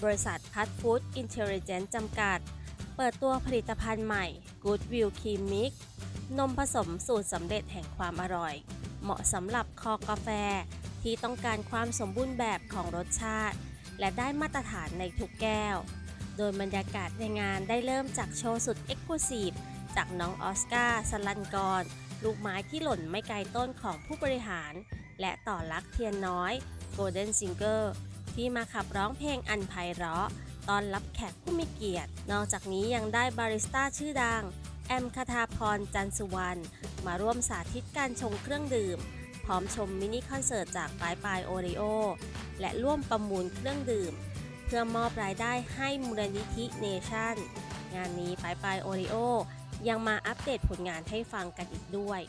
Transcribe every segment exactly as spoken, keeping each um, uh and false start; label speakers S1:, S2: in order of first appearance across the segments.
S1: ริษัทพัทฟู้ดอินเทลเจนซ์จำกัดเปิดตัวผลิตภัณฑ์ใหม่ Goodwill Cream Mix นมผสมสูตรสำเร็จแห่งความอร่อยเหมาะสำหรับคอกาแฟที่ต้องการความสมบูรณ์แบบของรสชาติและได้มาตรฐานในทุกแก้วโดยบรรยากาศในงานได้เริ่มจากโชว์สุดเอ็กซ์คลูซีฟจากน้องออสการ์สลันกรลูกไม้ที่หล่นไม่ไกลต้นของผู้บริหารและต่อลักษณ์เทียนน้อย Golden Singer ที่มาขับร้องเพลงอันไพเราะต้อนรับแขกผู้มีเกียรตินอกจากนี้ยังได้บาริสต้าชื่อดังแอมคทาพรจันสุวรรณมาร่วมสาธิตการชงเครื่องดื่มพร้อมชมมินิคอนเสิร์ตจากปลายปลายโอริโอและร่วมประมูลเครื่องดื่มเพื่อมอบรายได้ให้มูลนิธิเนชั่นงานนี้ปลายปลายโอริโอยังมาอัปเดตผลงานให้ฟังกันอีกด้วย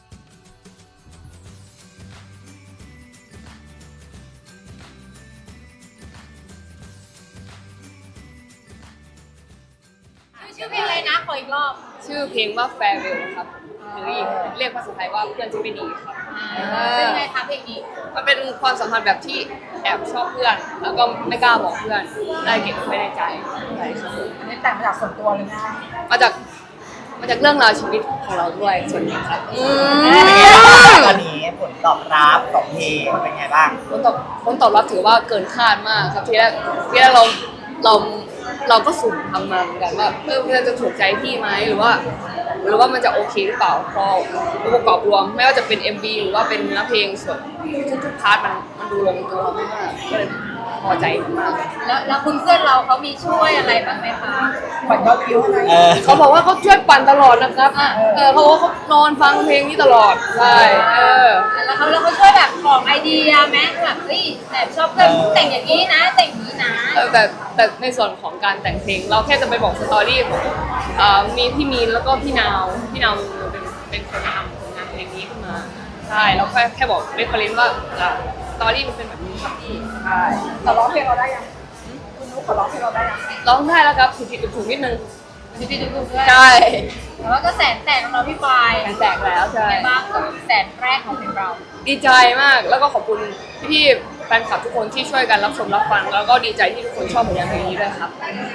S2: ชื่อเพลงอะไรนะขออีกรอบ
S3: ชื่อเพลงว่า Farewell ครับหรืออีกเรียกภาษาไทยว่าเพื่อนที่ไม่ดีครับ
S2: เป็นไงคะเพลงนี้
S3: มันเป็นความสัมพันธ์แบบที่แอบชอบเพื่อนแล้วก็ไม่กล้าบอกเพื่อนได้เก็บไว้ในใจใช่ครับ
S2: อันนี้แต่งมาจากส่วนตัวเลยนะ
S3: มาจากมาจากเรื่องราวชีวิตของเราด้วยส่วนนี้ครับ
S4: ตอนนี้ผลตอบรับของเพลงเป็นไงบ้าง
S3: ผลตอบผลตอบรับถือว่าเกินคาดมากครับทีแรกทีแรกเราเราเราก็สุ่มทำมาเหมือนกันว่าเออมันจะถูกใจพี่ไหมหรือว่าหรือว่ามันจะโอเคหรือเปล่าพอองค์ประกอบรวมไม่ว่าจะเป็น เอ็ม วี หรือว่าเป็นเนื้อเพลงส่วนทุกๆพาร์ทมันมันดูลงตัวมากก็เลยพอใจมาก
S2: แล้วแล้วคุณเพื่อนเราเขามีช่วยอะไรบ้างไหมคะ
S4: ปั่นยอดวิวอะไร
S3: เขาบอกว่าเขาช่วยปั่นตลอดนะครับเออเขาบอกว่าเขานอนฟังเพลงนี้ตลอดใช่เออ
S2: แล้วเขาแล้วเขาช่วยแบบของไอเดียไหมแบบเฮ้ยแต่ชอบเพื่อนแต่งอย่างนี้นะแต่งอย่างนี้นะ
S3: แต่แต่ในส่วนของการแต่งเพลงเราแค่จะไปบอกสตอรี่ของมีพี่มีนแล้วก็พี่นาวพี่นาวเป็นเป็นคนทำงานเพลงนี้ขึ้นมาใช่แล้วแค่แค่บอกเรฟเฟอเรนซ์ว่าสตอรี่มันเป็นแบบนี้ครับพี่ใช่
S2: แต่ร้องเพลงเราได้ยังคุณนุ๊กขอร้องเพลงเราได้ยัง
S3: ร้องได้แล้วครับผิดผิดถูกนิดนึง
S2: ผิดผิดถูกถูกด้วย
S3: ใช่
S2: แต่ว่าก็แสนแตกของเราพี่ปาย
S3: แสนแตกแล้วใช่
S2: บ้างกับแสนแรกของเพลงเรา
S3: ดีใจมากแล้วก็ขอบคุณพี่แฟนคลับทุกคนที่ช่วยกันรับชมรับฟังแล้วก็ดีใจที่ทุกคนชอบผลงานเพลงนี้ด้วยครับ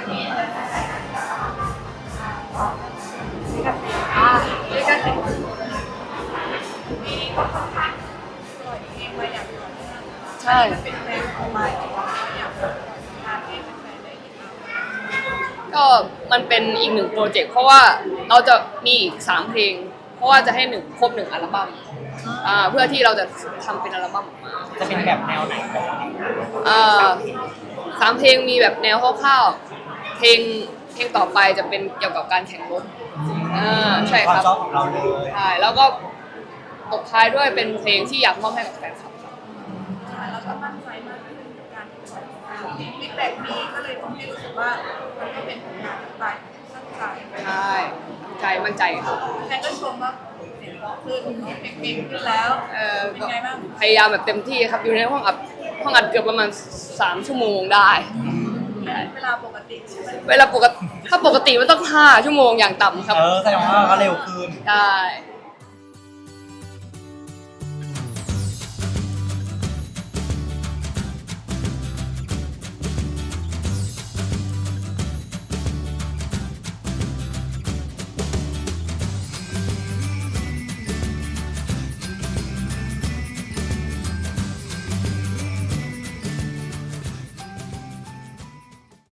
S2: อ่านี่ก็ถึง
S3: ใช่ก็มันเป็นอีกหนึ่งโปรเจกต์เพราะว่าเราจะมีอีกสามเพลงเพราะว่าจะให้หนึ่งครบหนึ่งอัลบั้มอ่าเพื่อที่เราจะทำเป็นอัลบั้มออกมา
S4: จะเป็นแบบแนวไหน
S3: อ่าสามเพลงมีแบบแนวคร่าวๆเพลงเพลงต่อไปจะเป็นเกี่ยวกับการแข่งรถอ่าใช่ครับ
S4: ความชอบของเราเลย
S3: ใช่แล้วก็ตบท้ายด้วยเป็นเพลงที่อยากมอบให้กับแฟนคลับ
S2: เราก็มั่นใจมากขึ้นในการฟีดแบ็กนี้ก็เลยทำให้รู้สึกว่ามันก็เป็นผลงานสไตล์ตั้งใจ
S3: ใช่ใจมั่นใจครับ
S2: แฟนก็ชมว่าเสียงร้องขึ้นเพลงขึ้นแล้ว
S3: เออ
S2: เป็นไงบ้าง
S3: พยายามแบบเต็มที่ครับอยู่ในห้องอัดห้องอัดเกือบประมาณสามชั่วโมงได้
S2: เวลาปกติใช่ไหม
S3: เวลาปกติถ้าปกติมันต้องห้าชั่วโมงอย่างต่ำครับ
S4: เออแสดงว่าก็เร็วขึ้น
S3: ได้